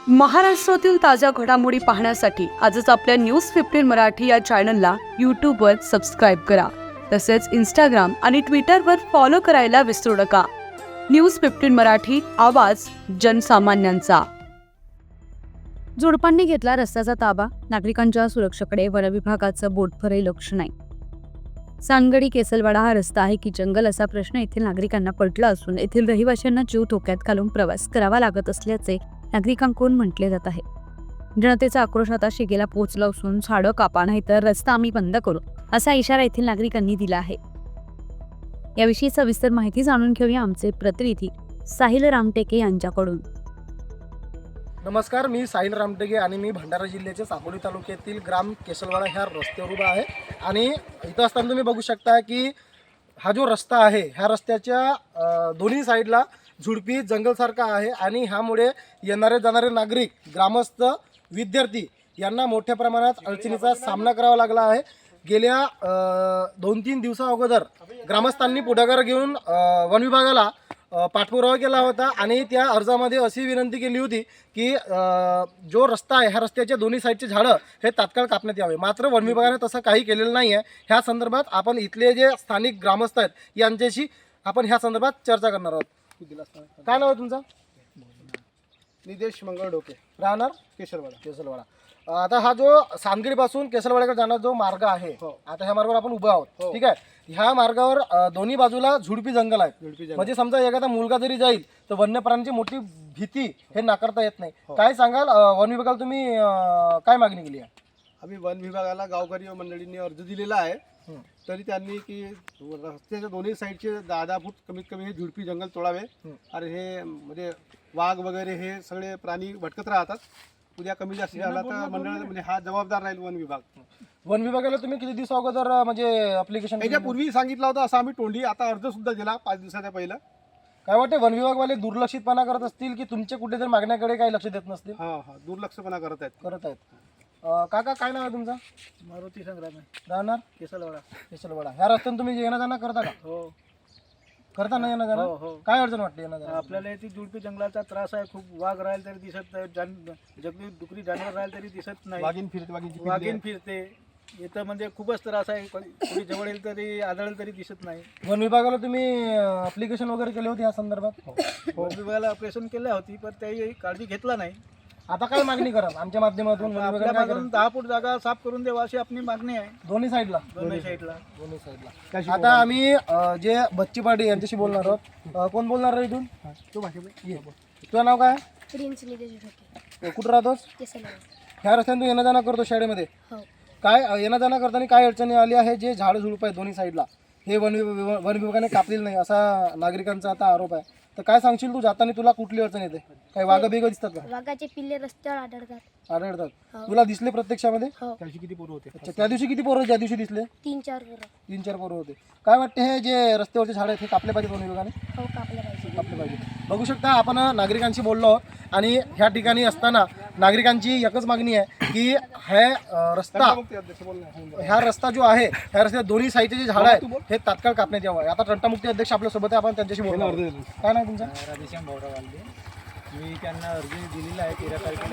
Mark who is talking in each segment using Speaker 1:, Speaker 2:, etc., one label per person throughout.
Speaker 1: महाराष्ट्रातील ताज्या घडामोडी पाहण्यासाठी आजच आपल्या न्यूज 15 मराठी या चॅनलला यूट्यूबवर सबस्क्राईब करा. तसेच इंस्टाग्राम आणि ट्विटरवर फॉलो करायला विसरू नका. न्यूज 15 मराठी, आवाज जनसामान्यांचा. जोडपांनी घेतला रस्त्याचा ताबा, नागरिकांच्या सुरक्षेकडे वनविभागाचं बोटभरही लक्ष नाही. सांगडी केसलवाडा हा रस्ता आहे की जंगल असा प्रश्न येथील नागरिकांना पडला असून येथील रहिवाशांना जीव धोक्यात घालून प्रवास करावा लागत असल्याचे नागरिकांकडून म्हटले जात आहे. जनतेचा आक्रोश आता शिगेला पोहोचला असून झाडं कापा नाही तर रस्ता आम्ही बंद करू असा इशारा येथील नागरिकांनी दिला आहे. याविषयी सविस्तर माहिती जाणून घेऊया आमचे प्रतिनिधी साहिल रामटेके यांच्याकडून.
Speaker 2: नमस्कार, मी साहिल रामटेके आणि मी भंडारा जिल्ह्याच्या साकोली तालुक्यातील ग्राम केसलवाडा ह्या रस्त्यावर उभा आहे. आणि इथं असताना तुम्ही बघू शकता की हा जो रस्ता आहे ह्या रस्त्याच्या दोन्ही साईडला झुडपी जंगलसारखा आहे आणि ह्यामुळे येणारे जाणारे नागरिक, ग्रामस्थ, विद्यार्थी यांना मोठ्या प्रमाणात अडचणीचा सामना करावा लागला आहे. गेल्या 2-3 दिवसा अगोदर ग्रामस्थांनी पुढाकार घेऊन वन विभागाला पाठपुरावा केला होता आणि त्या अर्जामध्ये अशी विनंती केली होती की जो रस्ता आहे ह्या रस्त्याच्या दोन्ही साईडचे झाडं हे तात्काळ कापण्यात यावे. मात्र वन विभागाने तसं काही केलेलं नाही आहे. ह्या संदर्भात आपण इथले जे स्थानिक ग्रामस्थ आहेत यांच्याशी आपण ह्या संदर्भात चर्चा करणार आहोत. काय नाव आहे तुमचं?
Speaker 3: निदेश मंगळ डोके,
Speaker 2: राहणार
Speaker 3: केसलवाडा.
Speaker 2: आता हा जो सांगलीपासून केसलवाड्याकडे जाणारा जो मार्ग आहे, आता ह्या मार्गावर आपण उभा आहोत, ठीक आहे. ह्या मार्गावर दोन्ही बाजूला झुडपी जंगल आहे. म्हणजे समजा एखादा मुलगा जरी जाईल तर वन्य प्राण्यांची मोठी भीती हे नाकारता येत नाही. काय सांगाल, वन विभागाला तुम्ही काय मागणी केली आहे?
Speaker 3: आम्ही वन विभागाला गावकरी मंडळींनी अर्ज दिलेला आहे. तरी त्यांनी की रस्त्याच्या दोन्ही साईडचे 10 फूट कमीत कमी हे झुडपी जंगल तोडावे. आणि हे म्हणजे वाघ वगैरे हे सगळे प्राणी भटकत राहतात. उद्या कमी जास्त झाला तर मंडळ म्हणजे हा जबाबदार राहील वन विभाग.
Speaker 2: वन विभागाला तुम्ही किती दिवस अगोदर म्हणजे अप्लिकेशन
Speaker 3: याच्यापूर्वी सांगितलं होतं असं आम्ही तोंडी, आता अर्ज सुद्धा दिला 5 दिवसाच्या पहिला.
Speaker 2: काय वाटते, वन विभागवाले दुर्लक्षितपणा करत असतील की तुमच्या कुठेतरी मागण्याकडे काही लक्ष देत नसतील?
Speaker 3: हा दुर्लक्षपणा करत आहेत.
Speaker 2: काका, काय नाव आहे तुमचं?
Speaker 3: मारुती संग्राम,
Speaker 2: राहणार केसलवाडा. ह्या रस्त्याने तुम्ही येणं जाणं करता का?
Speaker 3: हो
Speaker 2: करता ना येणं जाणं? काय अडचण वाटते येणं जाणं?
Speaker 4: आपल्याला ती झुडपी जंगलाचा त्रास आहे. खूप वाघ राहील तरी दिसत नाही, जंगली डुकरी जानवर राहील तरी दिसत नाही. वाघीण फिरते इथं, म्हणजे खूपच त्रास आहे. कोणी जवळ येईल तरी आढळेल तरी दिसत नाही.
Speaker 2: वन विभागाला तुम्ही अप्लिकेशन वगैरे केले होते या संदर्भात?
Speaker 4: वन विभागाला ऑपरेशन केल्या होती पण काही काळजी घेतला नाही.
Speaker 2: आता काय मागणी करा आमच्या माध्यमातून? वन विभागाला काय
Speaker 4: आपल्यापासून 10 फूट जागा साफ करून द्यावा अशी आपली मागणी आहे.
Speaker 2: दोन्ही साईडला.
Speaker 4: दोन्ही साईडला.
Speaker 2: आता आम्ही जे बच्ची पाटील यांच्याशी बोलणार आहोत. कोण बोलणार आहे इथून? तुझं नाव काय?
Speaker 5: प्रिन्स निदेश ढोके,
Speaker 2: कुठं राहतोस?
Speaker 5: केसलवाडा.
Speaker 2: ह्या रस्त्याने तू येणं जाणं करतो शाळेमध्ये?
Speaker 5: हो.
Speaker 2: काय येणं जाणं करताना काय अडचणी आली आहे? जे झाड झुडप आहे दोन्ही साईडला हे वन विभागाने कापलेलं नाही असा नागरिकांचा आता आरोप आहे. तर काय सांगशील तू, जाताना तुला कुठली अडचण येते? काही वाघ बिघ दिसतात का?
Speaker 5: वाघाचे पिल्ले रस्त्यावर आढळतात.
Speaker 2: आढळतात? तुला दिसले प्रत्यक्षामध्ये?
Speaker 5: हो.
Speaker 3: किती पोरं होते?
Speaker 2: अच्छा, त्या दिवशी किती पोरं ज्या दिवशी दिसले?
Speaker 5: 3-4 पोरं.
Speaker 2: 3-4 पोरं होते. काय वाटते, हे जे रस्त्यावरचे झाड आहेत हे कापले पाहिजे वन विभागाने?
Speaker 5: हो, कापले पाहिजे.
Speaker 2: कापले पाहिजे. बघू शकता, आपण नागरिकांशी बोललो आहोत आणि ह्या ठिकाणी असताना नागरिकांची एकच मागणी आहे की ह्या रस्ता जो आहे ह्या रस्त्यात दोन्ही साईडचे जे झाड आहेत हे तात्काळ कापण्यात यावं. आता तंटामुक्ती अध्यक्ष आपल्या सोबत आहे, आपण त्यांच्याशी बोलणार. काय नाही तुमचं?
Speaker 4: राधेश्याम भाऊराव वालदे. मी त्यांना अर्ज दिलेला आहे 13 तारखेला.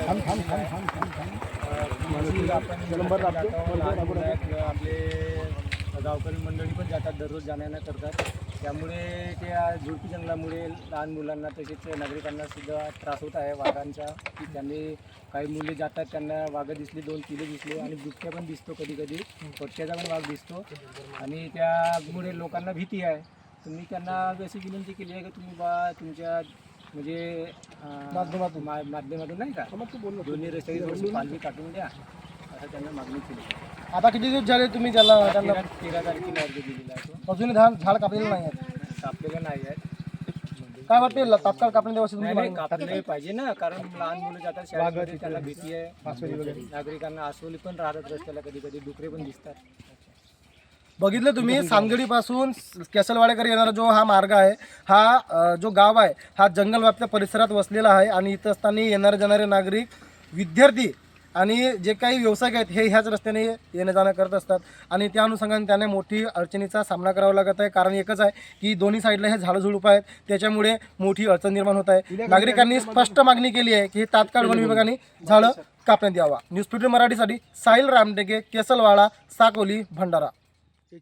Speaker 4: आपले गावकरी मंडळी पण जातात, दररोज जाण्यानं करतात. त्यामुळे त्या झुडपी जंगलामुळे लहान मुलांना तसेच नागरिकांना सुद्धा त्रास होत आहे वाघांचा. की त्यांनी काही मुले जातात, त्यांना वाघ दिसली, 2 किलो दिसले आणि बिबट्या पण दिसतो, कधी कधी पट्ट्याचा पण वाघ दिसतो आणि त्यामुळे लोकांना भीती आहे. तुम्ही त्यांना अशी विनंती केली आहे की तुम्ही तुमच्या म्हणजे माध्यमातून नाही का दोन्ही रस्त्याची थोडीशी पालवी काटून द्या असं त्यांना मागणी केली.
Speaker 2: आता किती दिवस झाले तुम्ही त्यांना
Speaker 4: 13 तारखेला अर्ज दिलेला आहे. तो
Speaker 2: अजूनही झाड कापलेलं नाही आहेत?
Speaker 4: कापलेला नाही आहे.
Speaker 2: काय वाटते, तात्काळ कापणे द्यावं?
Speaker 4: नाही, कापले पाहिजे ना, कारण लहान मुलं जातात शाळेमध्ये, त्यांना भीती आहे. नागरिकांना अस्वली पण राहतात रस्त्याला, कधी कधी डुकरे पण दिसतात.
Speaker 2: बघितलं तुम्ही, सांगडीपासून केसलवाड्याकडे येणारा जो हा मार्ग आहे, हा जो गाव आहे हा जंगल व्याप्त परिसरात वसलेला आहे आणि इथं असताना येणारे जाणारे नागरिक, विद्यार्थी आणि जे काही व्यावसायिक आहेत हे ह्याच रस्त्याने येणं जाणं करत असतात आणि त्या अनुषंगाने त्यांना मोठी अडचणीचा सामना करावा लागत आहे. कारण एकच आहे की दोन्ही साईडला हे झाडं झुडूप आहेत, त्याच्यामुळे मोठी अडचण निर्माण होत आहे. नागरिकांनी स्पष्ट मागणी केली आहे की तात्काळ वन विभागाने झाडं कापण्यात यावा. न्यूज 15 मराठीसाठी साहिल रामटेके, केसलवाडा, साकोली, भंडारा.